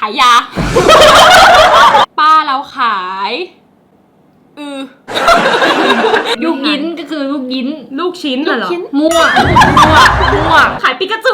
ายยา ป้าเราขายลูกยิ้นก็คือลูกยิ้นลูกชิ้นเหรอมั่วขายปิกาจู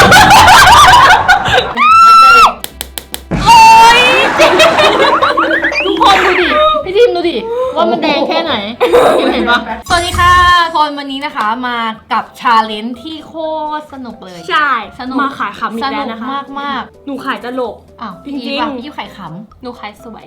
โอ๊ยทุกคนดูดิพี่ทิมดูดิว่ามันแดงแค่ไหนเห็นปะสวัสดีค่ะคนวันนี้นะคะมากับชาเลนจ์ที่โคตรสนุกเลยใช่สนุกมาขายขำอีสกแล้นุวกนะคะมากหนูขายตลกๆอ้าวพี่จริยิ้งมๆพี่ยิ้มไข่ขหนูขายสวย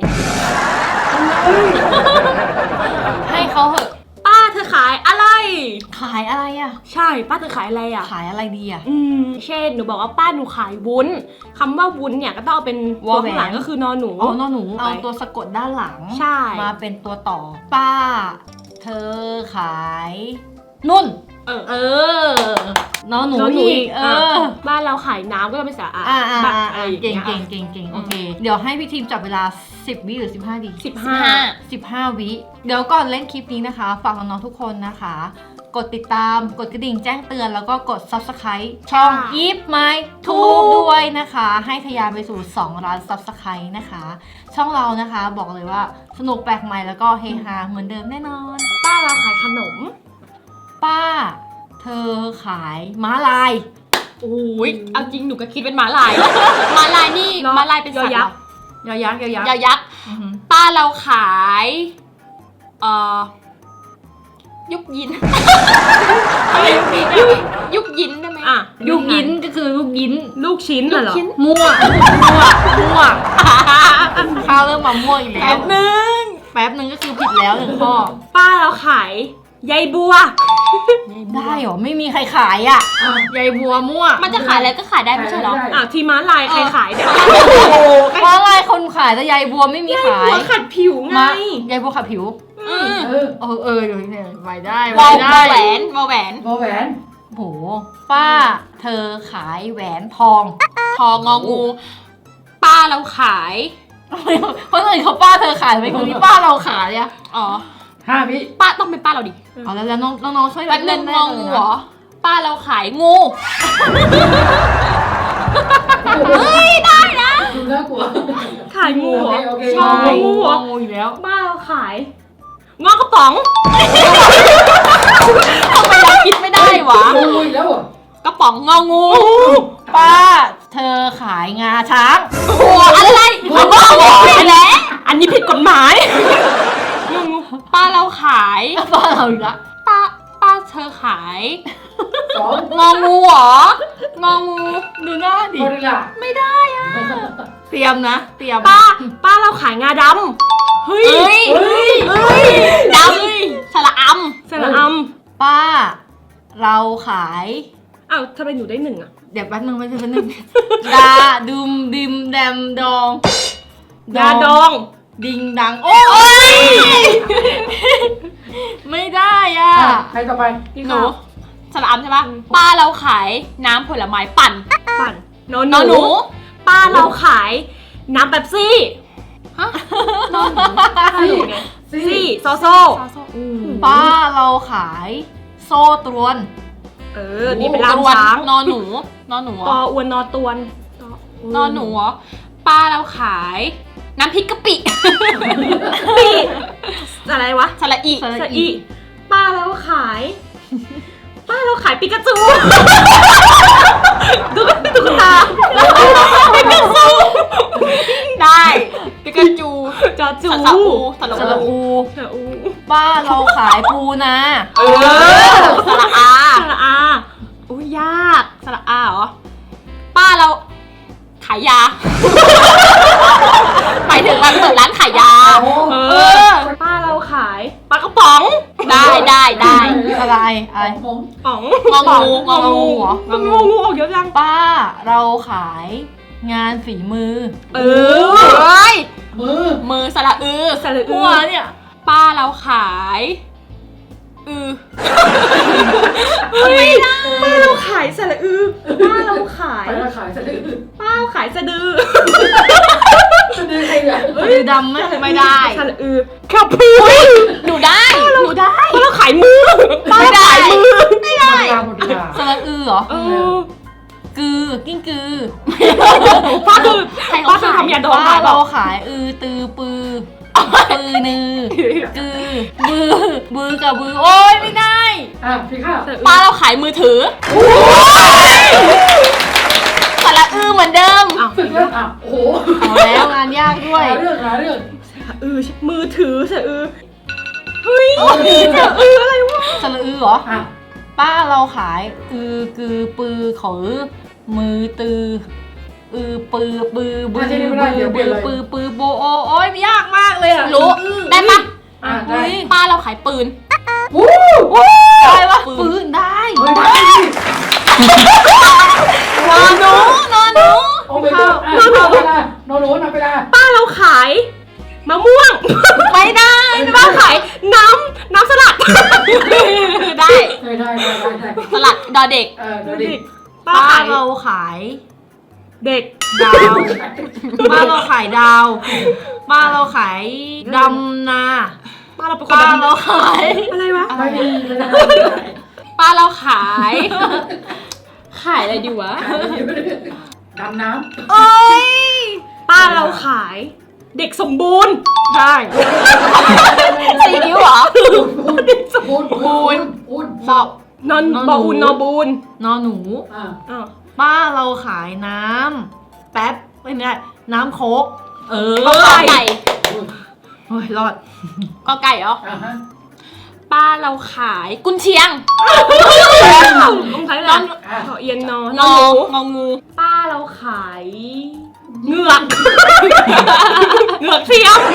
ำให้เขาเหอะป้าเธอขายอะไรขายอะไรอ่ะใช่ป้าเธอขายอะไรอ่ะขายอะไรดีอ่ะเช่นหนูบอกว่าป้าหนูขายวุ้นคำว่าวุ้นเนี่ยก็ต้องเอาเป็นตัวข้างหลังก็คือนอหนูเอานอหนูเอาตัวสะกดด้านหลังใช่มาเป็นตัวต่อ ป้า เธอขายนุ่นเออนอหนูนอหนูอีกบ้านเราขายน้ำก็ต้องเป็นสระอาอ่าอะไรอย่างเก่งเงี้ยเก่งโอเค เดี๋ยวให้พี่ทีมจับเวลา10 วิหรือ15 ดี 15 วิเดี๋ยวก่อนเล่นคลิปนี้นะคะฝากน้องๆทุกคนนะคะ กดติดตามกดกระดิ่งแจ้งเตือนแล้วก็กด Subscribe ช่อง If My Tube ด้วยนะคะ ให้ทะยานไปสู่2 ล้าน Subscribe นะคะ ช่องเรานะคะบอกเลยว่าสนุกแปลกใหม่แล้วก็เฮฮาเหมือนเดิมแน่นอนป้าเราขายขนมป้า เธอขายม้าลายโอ้ยเอาจริงหนูก็คิดเป็นม้าลาย ม้าลายนี่เนอะม้าลายเป็นสัตว์ยอยักษ์ยอยักษ์ยอยักษ์อือหือป้าเราขายยุกยิน ยุกยินได้ไหมอ่ะลูกยิ้นก็คือลูกยิ้นลูกชิ้นเหรอมั่วข้าวเริ่มมามั่วอีกแล้ว แป๊บนึงก็คือผิดแล้ว1 ข้อป้าเราขายใยบัวได้เหรอ ไม่มีใครขายอ่ะยายบัวมั่วมันจะขายอะไรก็ขายได้ไม่ใช่เหรอทีม้าลายใครขายเนี่ยเพราะอะไรคนขายแต่ยายบัวไม่มีขายหัวขัดผิวไงยายบัวขัดผิวเดี๋ยวเนี่ยไว้ได้วอไว้ลได้แหวนโหป้า เธอขายแหวนทองทองงองู ป้าเราขายเพราะอื่นเขาป้าเธอขายไม่คนนี้ป้าเราขายอ่ะอ๋อ 5 วิป้าต้องเป็นป้าเราดิเอาแล้วน้องช่วยแป๊บนึงได้งอเลยงูนะเหรอ ป้าเราขายงูดูน่ากลัวขายงูเหรอโอเคใช่งูงูเหรออีกแล้วป้าเราขายงอกกระป๋องทำไมเราคิดไม่ได้วะงูอีกแล้วเหรอกระป๋องงองูป้า เธอขายงาช้างโอ้อะไรงองูไปแล้วอันนี้ผิดกฎหมายป้าเราขายป้าเราอีกละป้าเธอขาย 2 งองูเหรอ งองูดูหน้าดิหมดเวลาไม่ได้อะเตรียมนะ เตรียมป้าเราขายงาดำเฮ้ยเอ้ยดำสระอำสระอป้า เราขายอ้าวทำไมหนูได้1อ่ะเดี๋ยวแป๊บนึงไม่ใช่แป๊บนึง ดาดุมดิมแดมดองยาดองดิงดัง โอ้ย ไม่ได้อ่ะใครต่อไปหนูสระอำใช่ปะป้าเราขายน้ำผลไม้ปั่นปั่นนนอนหนูป้าเราขายน้ำเป๊ปซี่ฮะซี่โซโซป้าเราขายโซ่ตรวนนี่เป็นล่ามช้างนอนหนูนอนหนูปออวนนอตวนนอนหนูเหรอป้าเราขายน้ำพริกกะปิปีอะไรวะสระอีสะอีป้าเราขาย ป้าเราขายปิกาจูดูเป็นตุ๊กตาปิกาจูได้ปิกาจูจอจูสระอูสสระระอูอูสระอูป้าเราขายปูนาสระอาสระอาอุ้ยยากสระอาเหรอป้าเราขายยาหมายถึงมันเปิดร้านขายยาป้าเราขายปลากระป๋องได้อะไรผมป๋องงองูงองูเหรองูออกเยอะจังป้าเราขายงานฝีมือเฮ้ยมือสระอือสระอูหัวเนี่ยป้าเราขายเฮ้ยป้าเราขายสระอือป้าเราขายไปมาขายสะดือป้าเราขายสะดือสะดือใครเนี่ยคือดำไหมไม่ได้สระอือครับพี่หนูได้ป้าเราขายมือป้าเราขายมือไม่ได้หมดเวลาสระอือเหรอเออกือกิ้งกือป้าคือคล้ป้าเคยทำยาดองป้าขายเปเราล่าขายตือปือปือนือกือบือกับบือโอ้ยไม่ได้พี่ข้าวป้าเราขายมือถือสระอือเหมือนเดิมสึกแล้วโอ้โหเอาแล้วงานยากด้วยหาเรื่องมือถือสะอือเฮ้ยสะอืออะไรวะสระอือเหรอ ป้าเราขายกือปือขอมือตือปือบือบือโบโอ้ยยากมากเลยอ่ะรู้ได้ปะได้ป้าเราขายปืนได้ปะปืนได้เฮ้ยได้นอนหนูนอนหนูโอ้ไม่ได้นอนหนูนอนไปได้ป้าเราขายมะม่วงไม่ได้ป้าขายน้ำสลัดได้ได้สลัดดอเด็กเดี๋ยวดิป้าป้าขายเราขายเด็กดาว ป้าเราขายดาว ป้าเราขายดำนาป้าเราเป็นคนป้าดำเราขายอะไรวะไม่ได้ป้าเราขาย ขายอะไรดีวะดำน้โอ้ยป้าเราขาย เด็กสมบูรณ์ได้สีนิ้วเหรอำบูนสอบนอนบออุนนอบูนนอนหนูอ้าวป้าเราขายน้ำแป๊บไม่ได้น้ำโค้กกอโอ้ไก่ยรอดกอไก่เหรอ ป้าเราขายกุนเชียงต้องใช้อะไรขอเอียนนอนงององูป้าเราขายเหงือกเหงือกเทียม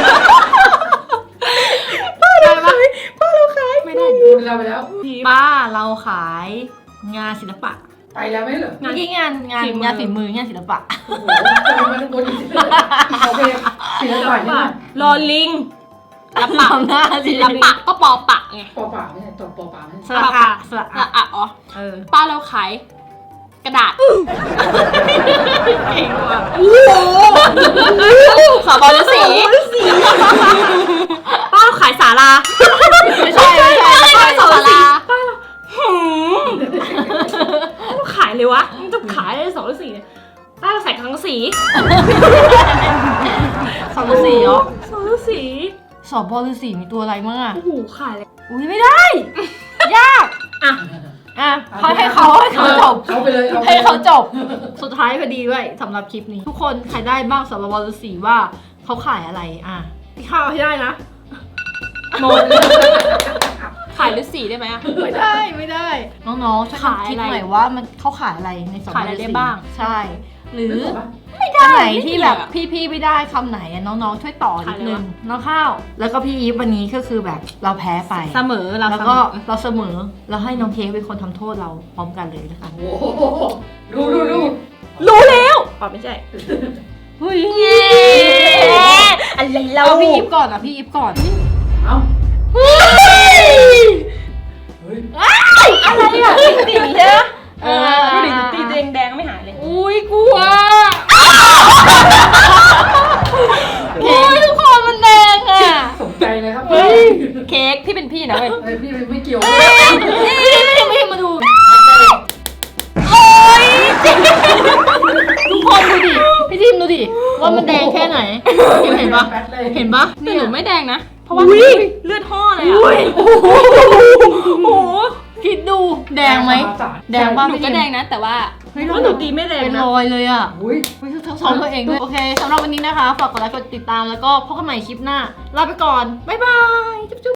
ได้ปะไม่ได้บูนเราไปแล้วป้าเราขายงานศิลปะไปแล้วไม่เหรอเมื่อกี้งานฝีมืองานศิลปะโอ้โหทำไมมันบนอีกโอเคศิลปะนี่รอลิงละปะทำหน้าศิลละปะปะก็ปอปะไงปอป่าไม่ใช่ตบปอป่าไม่สใช่ระอะสระอะอะอะอ๋อ ป้าเราขายกระดาษสอบอลสีป้าเราขายสาราไม่ใช่ไม่ใช่สาราขายเลยวะมันจะขายได้2 หรือ 4เนี่ยป้าเราใส่ทั้งสีสอบฤาษีเหรอ 2 หรือสอบบฤาษีมีตัวอะไรมั่งอ่ะ 4โอ้โหขายเลยอุ้ยไม่ได้ ยากอ่ะอ่ะให้เขาจบเขาไปเลยให้เขาจบ สุดท้ายพอดีด้วยสำหรับคลิปนี้ ทุกคนใครได้บ้างสำหรับบฤาษีว่าเขาขายอะไรอ่ะพี่ข้าวให้ได้นะหมดขายฤาษีได้ไหมอะไม่ได้ น้องๆช่วยกันคิดหน่อยว่ามันเขาขายอะไรในสำขายอะไรได้บ้างใช่ หรือไม่ได้อันไหนที่ไม่ได้แบบอะพี่ไม่ได้คำไหนอะน้องๆช่วยต่อนิดนึงน้องข้าว แล้วก็พี่อีฟวันนี้ก็คือแบบเราแพ้ไปเสมอเราแล้วก็เราเสมอเราให้น้องเค้กเป็นคนทำโทษเราพร้อมกันเลยนะคะโอ้โหดูรู้แล้วอ๋อไม่ใช่เฮ้ยอะไรเราเอาพี่อีฟก่อนอ่ะพี่อีฟก่อนเอาเฮ้ยเฮ้ยอะไรอ่ะตีใช่ไหมดูดิตีแดงไม่หายเลยอุ้ยกลัวโอ้ยทุกคนมันแดงอ่ะสนใจเลยครับเค้กพี่เป็นพี่นะเว้ยพี่ไม่เกี่ยวนี่มาดูโอ๊ยทุกคนดูดิพี่ทิมดูดิว่ามันแดงแค่ไหนเห็นปะเห็นปะแต่หนูไม่แดงนะ เพราะว่าอุ้ยเลือดห่อเลยอะโอ้โหคิดดูแดงไหมแดงป่ะหนูก็แดงนะ แต่ว่าเฮ้ยว่าหนูตีไม่แรงเป็นนะรอยเลยอ่ะอุ้ยทั้งสองตัวเองด้วยโอเคสำหรับวันนี้นะคะฝากกดไลค์กดติดตามแล้วก็พบกันใหม่คลิปหน้าลาไปก่อนบ๊ายบายจุ๊บ